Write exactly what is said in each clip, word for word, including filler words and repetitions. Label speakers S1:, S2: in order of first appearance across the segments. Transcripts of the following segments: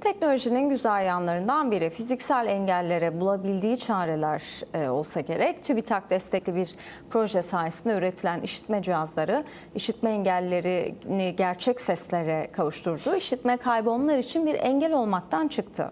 S1: Teknolojinin güzel yanlarından biri fiziksel engellere bulabildiği çareler e, olsa gerek. TÜBİTAK destekli bir proje sayesinde üretilen işitme cihazları işitme engellerini gerçek seslere kavuşturdu. İşitme kaybı onlar için bir engel olmaktan çıktı.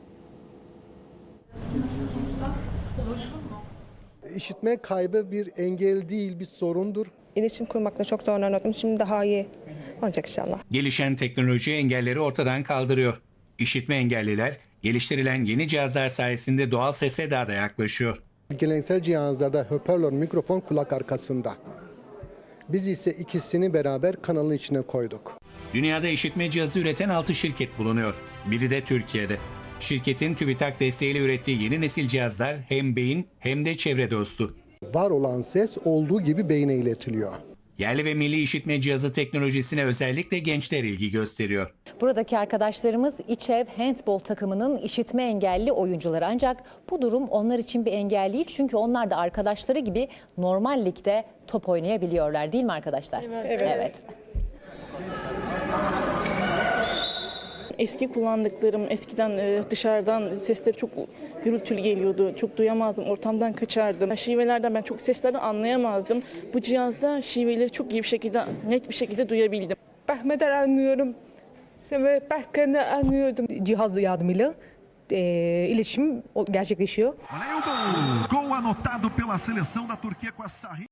S2: İşitme kaybı bir engel değil, bir sorundur.
S3: İletişim kurmakta çok zorlanıyordum. Şimdi daha iyi olacak inşallah.
S4: Gelişen teknoloji engelleri ortadan kaldırıyor. İşitme engelliler geliştirilen yeni cihazlar sayesinde doğal sese daha da yaklaşıyor.
S2: Geleneksel cihazlarda hoparlör, mikrofon kulak arkasında. Biz ise ikisini beraber kanalın içine koyduk.
S4: Dünyada işitme cihazı üreten altı şirket bulunuyor. Biri de Türkiye'de. Şirketin TÜBİTAK desteğiyle ürettiği yeni nesil cihazlar hem beyin hem de çevre dostu.
S2: Var olan ses olduğu gibi beyne iletiliyor.
S4: Yerli ve milli işitme cihazı teknolojisine özellikle gençler ilgi gösteriyor.
S5: Buradaki arkadaşlarımız İÇEV handbol takımının işitme engelli oyuncuları. Ancak bu durum onlar için bir engel değil. Çünkü onlar da arkadaşları gibi normal ligde top oynayabiliyorlar, değil mi arkadaşlar?
S3: Evet.
S5: Evet.
S6: Eski kullandıklarım, eskiden dışarıdan sesleri çok gürültülü geliyordu. Çok duyamazdım, ortamdan kaçardım. Şivelerden ben çok seslerden anlayamazdım. Bu cihazda şiveleri çok iyi bir şekilde, net bir şekilde duyabildim.
S3: Bahmeder anlıyorum ve Bahkan'ı anlıyordum. Cihaz yardımıyla e, iletişim gerçekleşiyor.
S7: Olha aí o gol! Gol anotado pela seleção da Turquia com a Sarri.